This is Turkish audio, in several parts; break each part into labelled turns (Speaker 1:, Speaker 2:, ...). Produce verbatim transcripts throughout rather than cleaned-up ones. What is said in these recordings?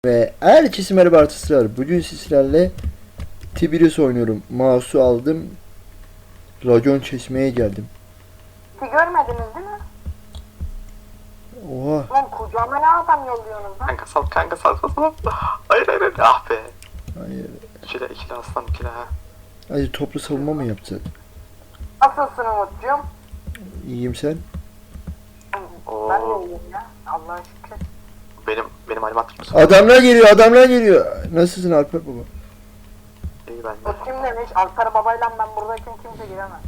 Speaker 1: Ve herkese merhaba artısılar. Bugün sizlerle Tiberius oynuyorum. Mouse'u aldım. Racon çeşmeye geldim.
Speaker 2: Hiç görmediniz değil mi?
Speaker 1: Oha.
Speaker 2: Lan kucağıma ne adam yolluyorsunuz lan?
Speaker 3: Kanka sal, kanka sal, sal, sal. Hayır, hayır, hayır. Ah be.
Speaker 1: Hayır.
Speaker 3: İkile, ikile aslan, ikile ha.
Speaker 1: Hadi toplu savunma mı yapacak?
Speaker 2: Nasılsın Umut'cum?
Speaker 1: İyiyim sen?
Speaker 3: Oo.
Speaker 2: Ben de iyiyim ya. Allah'a şükür.
Speaker 3: Benim, benim halim mısın?
Speaker 1: Adamlar geliyor, adamlar geliyor. Nasılsın Alper baba?
Speaker 3: İyi ben de.
Speaker 2: O kim demiş? Alper babayla ben buradayken kimse giremez.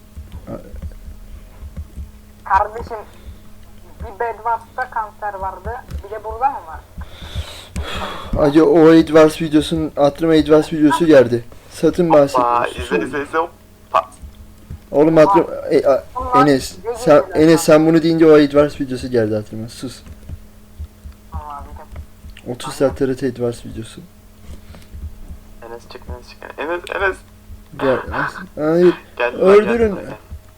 Speaker 2: Kardeşim bir Bedwars'ta kanser vardı. Bir de burada mı var?
Speaker 1: Acı o Advance videosunun, hatırıma Advance videosu geldi. Satın
Speaker 3: Aa,
Speaker 1: bahsediyorsun.
Speaker 3: izle, izle, izle. Hoppa.
Speaker 1: Oğlum hatırım, e, a- Enes, sen, Enes sen bunu deyince o Advance videosu geldi hatırıma. Sus.
Speaker 2: Allah bilir.
Speaker 1: otuz saat T R T Advance videosu.
Speaker 3: Enes çık, Enes çık. Enes, Enes.
Speaker 1: Gel. Hayır.
Speaker 3: Gel,
Speaker 1: Öldürün.
Speaker 3: Gel, gel.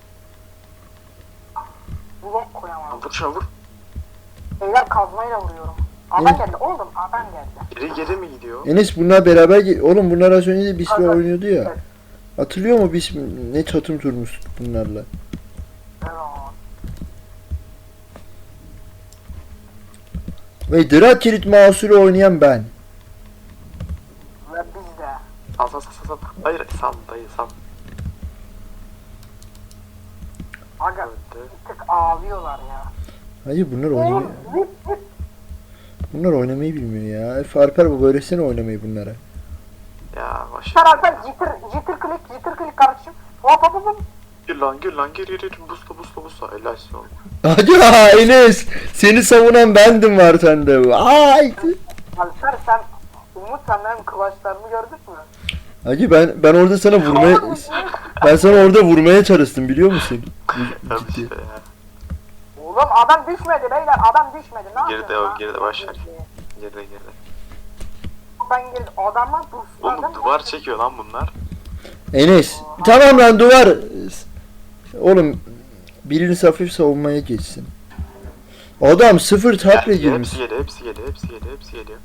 Speaker 2: Blok koyamam.
Speaker 3: Vur şuna vur.
Speaker 2: Beyler kazmayla vuruyorum. Adam
Speaker 1: Ne?
Speaker 2: geldi oğlum adam geldi.
Speaker 3: Geri geri mi gidiyor?
Speaker 1: Enes bunlar beraber ge- oğlum bunlar az önce de Bismillah
Speaker 2: Evet.
Speaker 1: oynuyordu ya. Hatırlıyor mu Bismillah? Ne çatım turmuş bunlarla.
Speaker 2: Evet.
Speaker 1: Ve Drat Kilit Mouse'uyla oynayan ben.
Speaker 2: Ve biz de.
Speaker 3: Sal, sal, sal, sal. Hayır, sal, dayı, sal.
Speaker 2: Aga
Speaker 3: Öldü.
Speaker 2: bir tık ağlıyorlar ya.
Speaker 1: Hayır bunlar oynamıyor.
Speaker 2: Oğlum zıp zıp.
Speaker 1: Bunlar oynamayı bilmiyor ya. Efe Alper baba öğretsene oynamayı bunlara.
Speaker 3: Ya, baş.
Speaker 2: Sen Alper jitter, jitter click, jitter click kardeşim. Hop hop hop hop.
Speaker 3: Gir lan, gir lan, gir, gir, gir. Busla, busla, busla. Helal olsun.
Speaker 1: Hadi ya Enes. Seni savunan bendim var sende. Ay.
Speaker 2: Alper sen, Umut sen benim kıvaçlarımı gördün mü?
Speaker 1: Hacı ben ben orada sana vurmaya ben sana orada vurmaya çalıştım biliyor musun?
Speaker 3: Tabii
Speaker 1: Ciddi.
Speaker 3: işte ya.
Speaker 2: Oğlum adam düşmedi beyler, adam düşmedi. Ne
Speaker 3: Geride
Speaker 2: yapıyorsun
Speaker 3: o,
Speaker 2: lan?
Speaker 3: geride baş ver. Geride, geride.
Speaker 2: Ben girdim, adamlar dursunlar.
Speaker 3: Oğlum duvar çekiyor lan bunlar.
Speaker 1: Enes. Tamam lan duvar. Oğlum biriniz hafif savunmaya geçsin. Adam sıfır taple
Speaker 3: Gel,
Speaker 1: girmiş.
Speaker 3: hepsi geliyor, hepsi geliyor, hepsi geliyor, hepsi geliyor.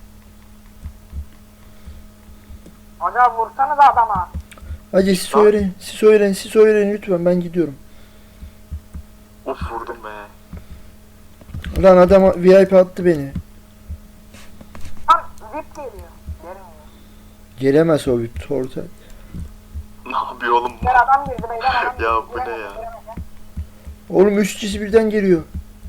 Speaker 2: Aga vursanız adama.
Speaker 1: Hacı siz öğrenin, siz öğrenin, siz öğrenin lütfen ben gidiyorum.
Speaker 3: Of vurdum be.
Speaker 1: Lan adam V I P attı beni.
Speaker 2: Lan zip geliyor. Gelmiyor.
Speaker 1: Gelemez o V I P torta.
Speaker 3: Ne yapıyor oğlum bu?
Speaker 2: Beyler adam girdi beyler adam girdi.
Speaker 3: Ya bu ne
Speaker 2: Giremedi,
Speaker 3: ya?
Speaker 2: giremedi.
Speaker 1: Oğlum üç kişi birden geliyor.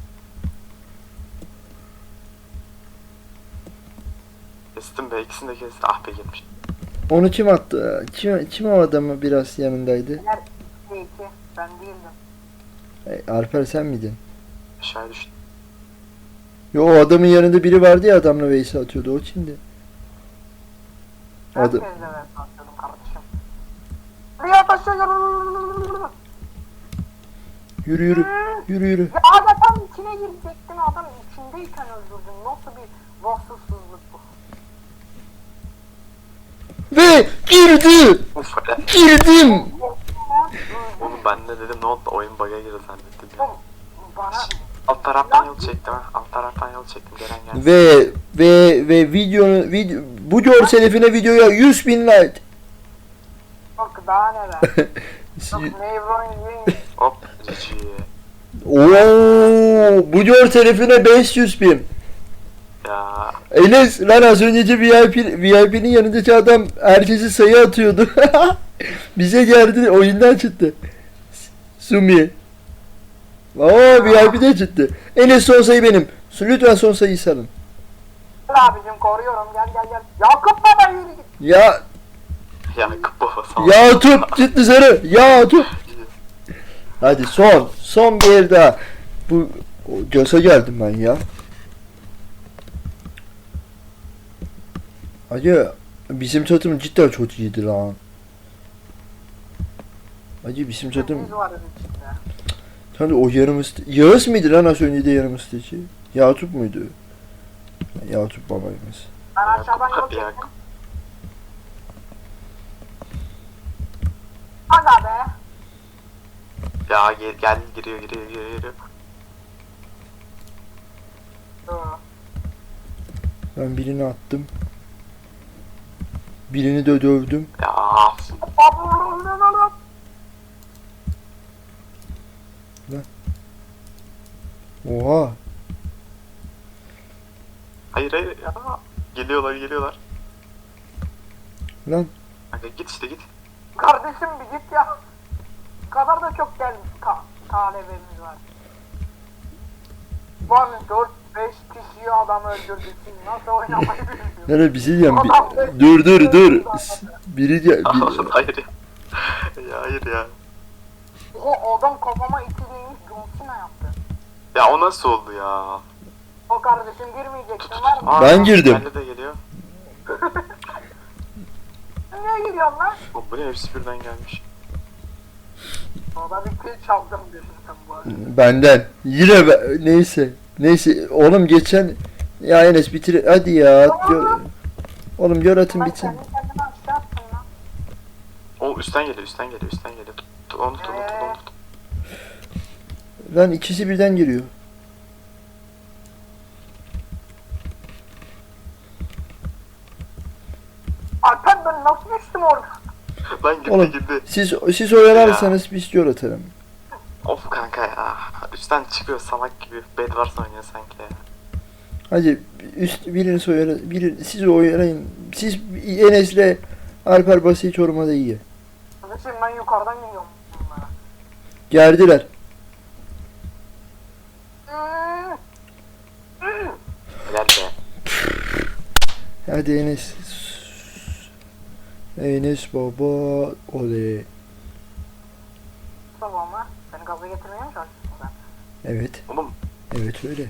Speaker 3: Kestim be, ikisini de kestim. Ah be gelmiş.
Speaker 1: Onu kim attı? Kim, kim o adamı biraz yanındaydı?
Speaker 2: Beyler iki iki. Ben değildim.
Speaker 1: E, Alper sen miydin?
Speaker 3: Aşağıya düştüm.
Speaker 1: Yo o adamın yanında biri vardı ya adamla Veys'i atıyordu o kimdi?
Speaker 2: Ben
Speaker 1: Adı-
Speaker 2: kendime atıyordum kardeşim. Rüya taşıyor.
Speaker 1: Yürü yürü. Yürü yürü.
Speaker 2: Ya aga tam içine girecektin adam içindeyken öldürdün. Nasıl bir vasıfsızlık bu?
Speaker 1: Ve girdi.
Speaker 3: Uf hele.
Speaker 1: Girdim.
Speaker 3: Oğlum ben de dedim ne oldu? Oyun bug'a girdi zannettim ya.
Speaker 2: Oğlum, bana
Speaker 3: Alt taraftan yol çektim ha. Alt taraftan yol çektim. Gelen gelsin.
Speaker 1: Ve ve ve videonun video bu görsel efine videoya yüz bin like.
Speaker 2: bak daha neler. Yok Nevron yiyin.
Speaker 3: Hop. Cici.
Speaker 1: Oo, bu görsel efine beş yüz bin.
Speaker 3: Ya.
Speaker 1: Enes lan az önceki V I P V I P'nin yanındaki adam herkesi sayı atıyordu. Bize geldi oyundan çıktı. Sumi. Oo V I P'de çıktı. Enes son sayı benim. Lütfen son sayıyı salın.
Speaker 2: Gel abicim koruyorum gel gel gel. Yakup baba yürü git.
Speaker 1: Ya
Speaker 3: Yakup baba sağ ol.
Speaker 1: ya top çık dışarı. Ya top. Hadi son. Son bir el daha. Bu göze geldim ben ya. Hacı bizim çatım cidden çok iyiydi lan. Hacı bizim çatım.
Speaker 2: Biz varız içinde.
Speaker 1: Tabii o yarım iste... Yağız mıydı lan az önce de yarım isteci? Yakup muydu? Yakup babayımız.
Speaker 2: Ben aşağıdan yol
Speaker 3: Yakup.
Speaker 2: çektim.
Speaker 3: Yakup.
Speaker 2: Aga be.
Speaker 3: Ya gel, gel giriyor giriyor giriyor giriyor.
Speaker 2: Dur.
Speaker 1: Ben birini attım. Birini de dövdüm.
Speaker 3: Ya.
Speaker 1: Oha.
Speaker 3: Hayır hayır ya. Geliyorlar geliyorlar.
Speaker 1: Lan.
Speaker 3: Kanka git işte git.
Speaker 2: Kardeşim bir git ya. Bu kadar da çok gel ta talebemiz var. Lan dört beş kişiyi adam öldürdük. Siz nasıl oynamayı bilmiyorsunuz?
Speaker 1: Yani bir şey diyeceğim. Bir-
Speaker 2: Adam beş
Speaker 1: dur dur
Speaker 2: kişiyi
Speaker 1: dur.
Speaker 2: öldürdü
Speaker 1: S-
Speaker 2: adam.
Speaker 1: Biri de bir-
Speaker 3: hayır ya. Ya hayır ya.
Speaker 2: O adam kafama iki değmiş John Cena yaptı.
Speaker 3: Ya o nasıl oldu ya?
Speaker 2: O kardeşim girmeyeceksin var mı?
Speaker 3: Aa,
Speaker 1: Ben girdim.
Speaker 3: Bende de geliyor.
Speaker 2: Niye giriyorsun lan?
Speaker 3: O bu ne hepsi birden gelmiş.
Speaker 2: Orada bir kill çaldım birinden bu arada.
Speaker 1: benden. Yine be- neyse. Neyse oğlum geçen ya Enes bitir hadi ya. Gör- Oğlum gör atın
Speaker 2: Ben
Speaker 1: bitsin.
Speaker 2: kendi kendime aşağı attım lan.
Speaker 3: O üstten geliyor üstten geliyor üstten geliyor. Tut, tut, onu tut onu tut onu tut.
Speaker 1: Lan ikisi birden giriyor.
Speaker 2: Alper ben nasıl düştüm orada?
Speaker 3: Lan gitti
Speaker 1: Oğlum.
Speaker 3: gitti.
Speaker 1: Siz siz oyalarsanız biz gör atarım.
Speaker 3: Of kanka ya. Üstten çıkıyor salak gibi. Bedwars oynuyor sanki ya.
Speaker 1: Hadi üst birini soyara, biri siz oyalayın. Siz Enes'le Alper basit Çoruma'da iyi.
Speaker 2: Kardeşim ben yukarıdan geliyorum bunlara.
Speaker 1: Gerdiler.
Speaker 2: Hmm. Hmm.
Speaker 3: Helal be.
Speaker 1: Hadi Enes. Enes baba oley.
Speaker 2: Sabah mı? Beni gaza getirmeye mi çalışıyorsun sen?
Speaker 1: Evet.
Speaker 3: Oğlum
Speaker 1: Evet öyle.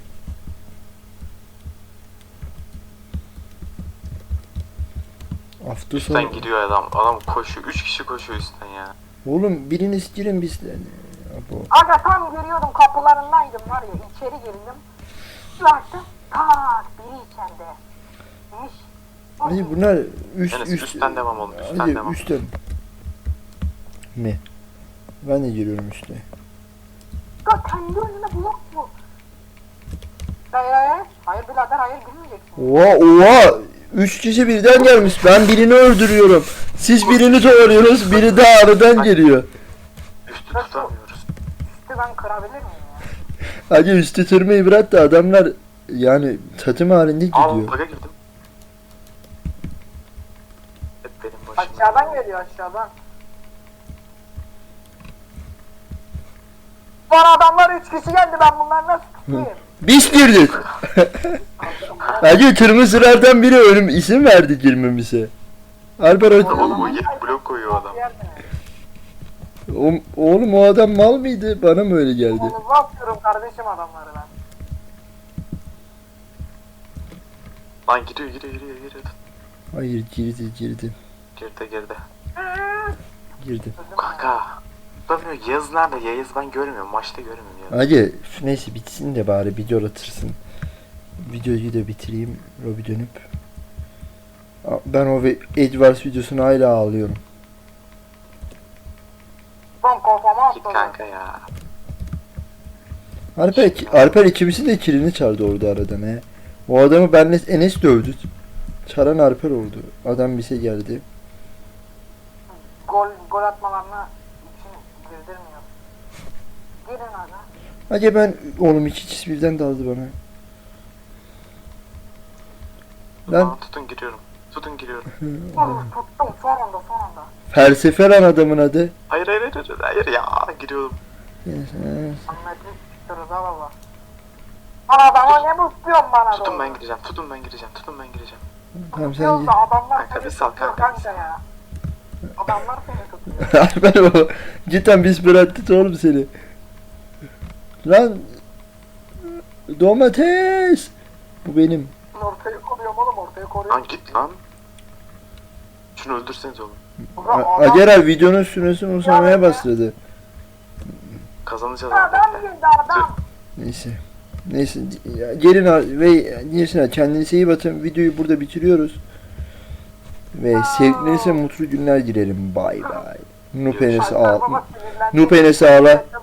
Speaker 1: Hafta
Speaker 3: üstten
Speaker 1: sonu.
Speaker 3: gidiyor adam. Adam koşuyor. Üç kişi koşuyor üstten ya.
Speaker 1: Oğlum biriniz girin bizden. Abo.
Speaker 2: Aga tam giriyordum kapılarındaydım var ya içeri girdim. Bir baktım tak biri içeride. Neymiş?
Speaker 1: Hadi bunlar üst
Speaker 3: Enes
Speaker 1: üst.
Speaker 3: üstten devam oğlum. Üstten
Speaker 1: Hadi
Speaker 3: devam.
Speaker 1: üstten. Ne? Ben de giriyorum üstte.
Speaker 2: Ya kendi önüne blok mu? Hayır hayır. Hayır birader hayır girmeyeceksin.
Speaker 1: Oha oha. Üç kişi birden gelmiş. Ben birini öldürüyorum. Siz birini doğruyorsunuz. Biri daha aradan geliyor.
Speaker 3: Üstü tutamıyoruz.
Speaker 2: Üstü ben kırabilir miyim ya?
Speaker 1: Hadi üstü tırmayı bırak da adamlar yani tatım halinde
Speaker 3: Al
Speaker 1: gidiyor.
Speaker 3: bug'a girdim. Hep benim başıma.
Speaker 2: Aşağıdan geliyor aşağıdan. Lan adamlar üç kişi geldi ben bunları nasıl tutayım?
Speaker 1: Biz girdik. Hadi kırmızılardan biri ölüm isim verdi girmemize. Alper o,
Speaker 3: Oğlum o yet blok koyuyor adam.
Speaker 1: o, oğlum o adam mal mıydı? Bana mı öyle geldi?
Speaker 2: Onu bakıyorum kardeşim adamları ben.
Speaker 3: Lan giriyor giriyor giriyor giriyor.
Speaker 1: Hayır girdi girdi.
Speaker 3: Girdi girdi.
Speaker 1: Girdi.
Speaker 3: Kanka. Tutamıyor. Yağız nerede? Yağız ben görmüyorum. Maçta görmüyorum ya.
Speaker 1: Hadi neyse bitsin de bari video atırsın. Videoyu da bitireyim. Robi dönüp. Aa, Ben o ve- Edwards videosunu hala ağlıyorum.
Speaker 2: Son kafama
Speaker 3: Git
Speaker 2: atladı.
Speaker 3: kanka ya.
Speaker 1: Alper, Alper ikimizin de kilini çaldı orada aradan he. O adamı benle Enes dövdü. Çaran Alper oldu. Adam bize geldi.
Speaker 2: Gol, gol atmalarına için girdirmiyor. Girin aga.
Speaker 1: Hadi ben oğlum iki kişi birden daldı bana. Lan
Speaker 3: Lan tutun giriyorum. Tutun giriyorum.
Speaker 2: Oğlum tuttum son anda son anda.
Speaker 1: felsefe lan adamın adı.
Speaker 3: Hayır hayır hayır hayır, hayır ya giriyorum.
Speaker 2: Ahmetlik çıktı Rıza baba. Lan adama ne bu istiyorsun bana
Speaker 3: Tutun
Speaker 2: doğru?
Speaker 3: ben gireceğim. Tutun ben gireceğim. Tutun ben gireceğim.
Speaker 1: Tamam sen
Speaker 2: Tutuyorsa adamlar
Speaker 3: Kanka,
Speaker 2: seni
Speaker 3: bir sal
Speaker 2: tutuyor
Speaker 3: kanka, bir
Speaker 2: kanka
Speaker 3: sal.
Speaker 2: ya. Adamlar seni tutuyor.
Speaker 1: Alper o. Cidden biz bıraktık oğlum seni. Lan domates. Bu benim.
Speaker 2: Ortayı koruyorum oğlum ortayı koruyorum.
Speaker 3: Lan git lan. Şunu öldürseniz oğlum.
Speaker 2: Ulan
Speaker 1: A-
Speaker 2: adam-
Speaker 1: Ager abi videonun süresi uzamaya başladı.
Speaker 3: Kazanacağız abi
Speaker 2: Adam
Speaker 3: bekle.
Speaker 2: girdi adam.
Speaker 1: Neyse. Neyse ya, gelin al- ve gelsin kendinize iyi bakın. Videoyu burada bitiriyoruz. Ve sevgilinize mutlu günler dilerim. Bay bay. Nup Enes
Speaker 2: Alper
Speaker 1: ağla.
Speaker 2: baba sinirlendi.
Speaker 1: Nup Enes ağla.